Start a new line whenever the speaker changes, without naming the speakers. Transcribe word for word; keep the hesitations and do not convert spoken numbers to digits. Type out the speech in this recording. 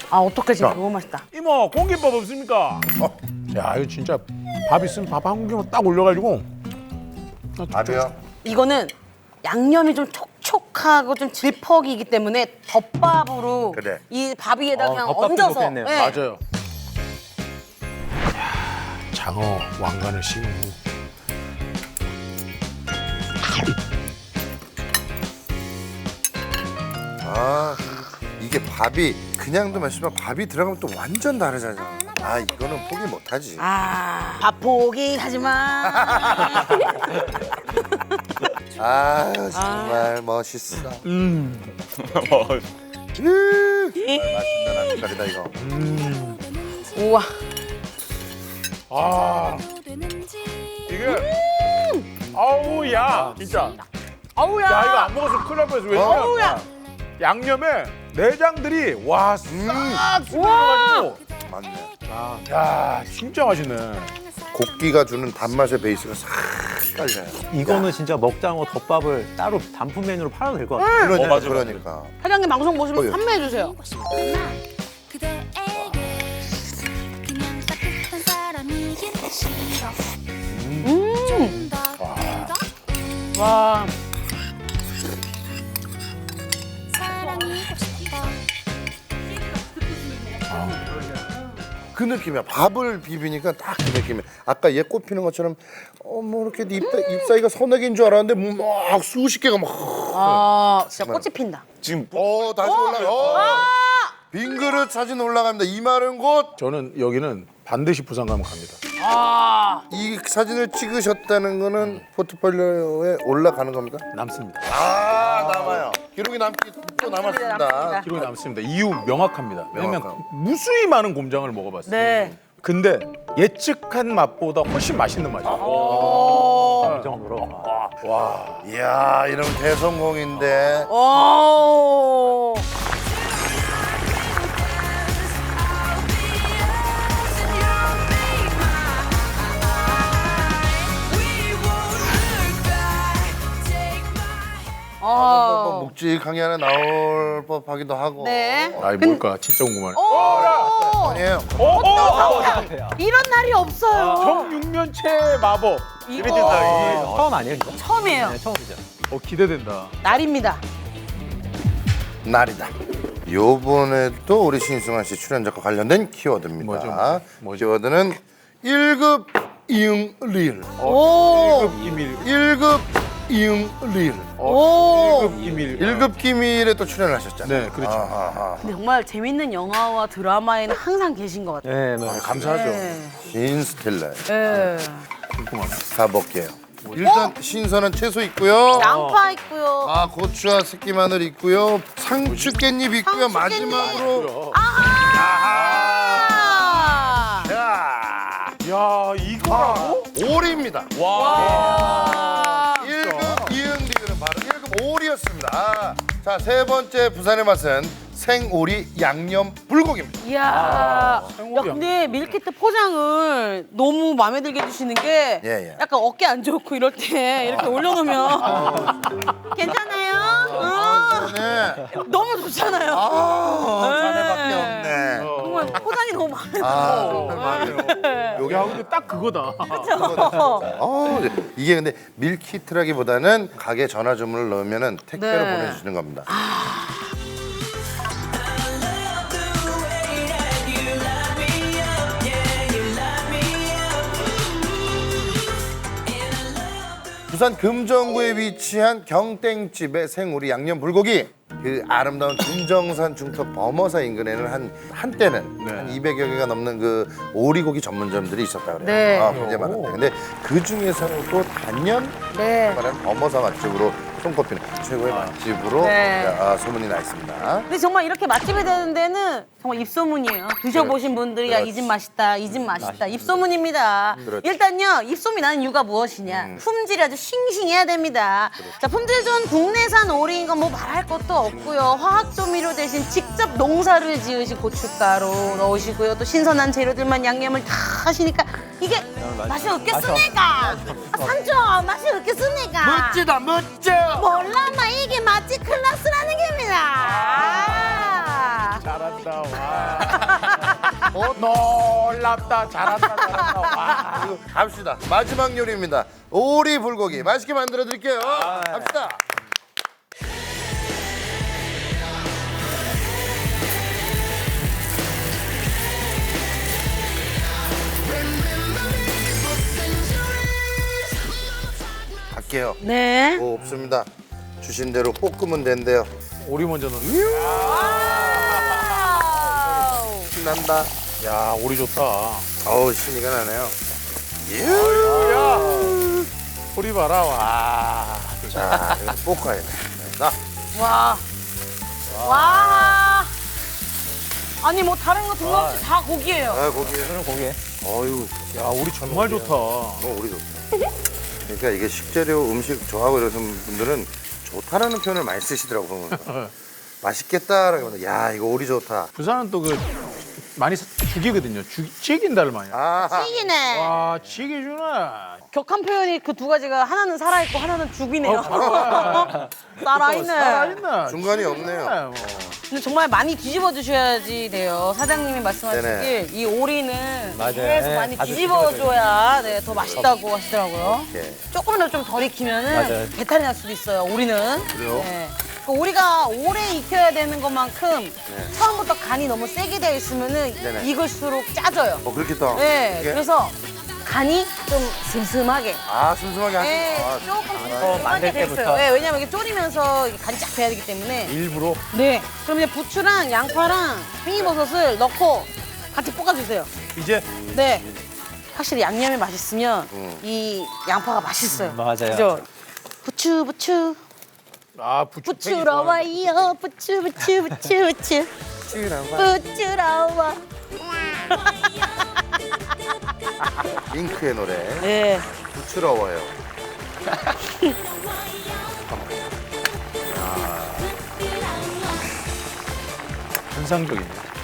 아 어떡하지? 너무 맛있다.
이모 공깃밥 없습니까?
어.
야 이거 진짜 밥 있으면 밥 한 공기만 딱 올려가지고.
밥이요?
이거는 양념이 좀 촉촉하고 좀 질퍽이기 때문에 덮밥으로
그래.
이 밥 위에다
어,
그냥
덮밥도
얹어서.
좋겠네요.
네.
맞아요. 야, 장어 왕관을 씌운 후.
아 이게 밥이 그냥도 맛있지만 밥이 들어가면 또 완전 다르잖아. 아 이거는 포기 못하지.
아, 밥 포기하지 마.
아 정말 멋있어.
음.
음, 정말 맛있는 아주까리다 이거.
우와.
아 이게 아우 야 진짜.
어우야.
야 이거 안 먹었으면 큰일 날 뻔했어. 왜냐면
어우야.
양념에 내장들이 와싹 스며가지고.
맞네.
야 진짜 맛있네.
고기가 주는 단맛의 베이스가 싹 깔려요.
이거는 진짜 먹장어 덮밥을 따로 단품 메뉴로 팔아도 될 것 같아요.
그러니까,
어, 맞아,
그러니까.
사장님 방송 보시면
어휴.
판매해 주세요. 음. 와.
그 느낌이야. 밥을 비비니까 딱 그 느낌이야. 아까 얘 꼽히는 것처럼 어뭐 이렇게 입, 입 사이가 서너 개인 줄 알았는데 막 수십 개가 막.
아, 진짜 꽃이 핀다.
지금 어 다시 올라가. 어. 빈 그릇 사진 올라갑니다. 이 마른 곳.
저는 여기는 반드시 부산 가면 갑니다.
아.
이 사진을 찍으셨다는 거는 포트폴리오에 올라가는 겁니까?
남습니다.
아 남아요. 기록이 남기 또 남았습니다.
남습니다.
기록이 남습니다. 이유 명확합니다. 왜냐면
명확하고.
무수히 많은 곰장을 먹어봤어요.
네.
근데 예측한 맛보다 훨씬 맛있는 맛이에요.
오.
그 정도로.
와.
이야 이러면 대성공인데.
오.
뭐
어.
묵직하게 하나 나올 법하기도 하고.
네.
아이 뭘까 진짜 궁금하네.
오.
아니에요.
오, 오, 오.
이런 날이 없어요.
청육면체 마법.
이거
처음 아니에요, 진짜?
처음이에요.
네, 처음이죠.
어 기대된다.
날입니다.
날이다. 요번에도 우리 신승환 씨 출연작과 관련된 키워드입니다.
뭐죠, 뭐죠? 뭐죠?
키워드는 일 급 이응 리을.
오.
일 급 기밀.
일 급 이응 리을.
오.
일 급 기밀.
일 급 기밀에 또 출연을 하셨잖아요.
네, 그렇죠.
아하하.
근데 정말 재밌는 영화와 드라마에는 항상 계신 것 같아요.
네,
아,
네.
감사하죠.
네.
신스틸러
네.
궁금하네.
가볼게요. 일단 신선한 채소 있고요.
양파 있고요.
아 고추와 새끼 마늘 있고요. 상추 깻잎 있고요.
상추 깻잎.
마지막으로
아하.
야
야 이거라고?
오리입니다.
와.
일 급 이응 리을은 바로 일 급 오리였습니다. 아, 자, 세 번째 부산의 맛은 생오리 양념 불고기입니다.
이야. 야,
생오리야.
근데 밀키트 포장을 너무 마음에 들게 해주시는 게
예, 예.
약간 어깨 안 좋고 이럴 때 이렇게 올려놓으면 괜찮아요? 어.
네.
너무 좋잖아요.
아, 자네밖에
네.
없네.
정말 포장이 너무 마음에 들어.
아, 정말 맞아요.
여기 하고 근데 딱 그거다.
어, 이게 근데 밀키트라기보다는 가게 전화 주문을 넣으면 택배로
네.
보내주시는 겁니다. 부산 금정구에 위치한 경땡집의 생오리 양념 불고기. 그 아름다운 금정산 중턱 범어사 인근에는 한 한때는
네.
한 이백여 개가 넘는 그 오리고기 전문점들이 있었다 그래요.
네.
아, 굉장히 많았대. 근데 그 중에서는 또 단연
네.
말하는 범어사 맛집으로 손꼽히는 최고의 맛집으로
네.
아, 소문이 나 있습니다.
근데 정말 이렇게 맛집이 되는 데는 정말 입소문이에요. 드셔보신 분들이 야 이 집 맛있다, 이 집 맛있다. 입소문입니다.
그렇지.
일단요, 입소문이 나는 이유가 무엇이냐. 품질이 아주 싱싱해야 됩니다. 자, 품질 좋은 국내산 오리인 건 뭐 말할 것도 없고요. 화학 조미료 대신 직접 농사를 지으신 고춧가루 넣으시고요. 또 신선한 재료들만 양념을 다 하시니까 이게 맛이 없겠습니까? 아, 산초 맛이 없겠습니까?
멋지다 멋져.
몰라, 마 이게 맛집 클래스라는 겁니다.
잘한다 와. 어, 놀랍다 잘한다 잘한다 와.
이거 갑시다. 마지막 요리입니다. 오리 불고기 맛있게 만들어 드릴게요. 갑시다. 갈게요.
네.
뭐 없습니다. 주신 대로 볶으면 된대요.
오리 먼저 넣는.
와우.
신난다.
야 오리 좋다.
어우 신이가 나네요.
야 오리 봐라 와.
자 이거 볶아야 돼. 나
와. 와. 아니 뭐 다른 거 등록없이 다 고기예요.
아, 고기.
그럼 거기에.
어유,
야 오리 정말 좋다.
뭐 우리 좋다. 그러니까 이게 식재료 음식 좋아하고 이러는 분들은 좋다라는 표현을 많이 쓰시더라고 보면. 맛있겠다라고 하면 야 이거 오리 좋다.
부산은 또 그 많이 사- 죽이거든요. 죽 찌긴다를 많이.
아,
찌기네.
와 찌개 주네.
격한 표현이 그 두 가지가 하나는 살아있고 하나는 죽이네요.
어,
살아있네.
살아있네.
중간이 없네요.
네, 뭐.
근데 정말 많이 뒤집어 주셔야지 돼요. 사장님이 말씀하시길
네네.
이 오리는
맞아요.
계속
네,
많이
다들
뒤집어 줘야 네, 더 맛있다고 하시더라고요.
이렇게.
조금만 좀 덜 익히면은
맞아요.
배탈이 날 수도 있어요. 오리는.
그래요?
네. 그 오리가 오래 익혀야 되는 것만큼 처음부터 간이 너무 세게 되어 있으면은
네네.
익을수록 짜져요.
어 그렇겠다.
네.
이게?
그래서 간이 좀 슴슴하게.
아 슴슴하게 하시.
네,
아,
조금
어,
슴슴하게
만들
돼 있어요.
때부터.
네, 왜냐면 이게 졸이면서 이게 간이 쫙 배야 되기 때문에.
일부러.
네. 그럼 이제 부추랑 양파랑 팽이버섯을 넣고 같이 볶아주세요.
이제
네. 확실히 양념이 맛있으면
음.
이 양파가 맛있어요.
맞아요.
그죠? 부추 부추
아 부추
부추러 와요. 부추 부추 부추 부추 부추러 와.
잉크의 노래.
네.
부추러워요.
환상적이네.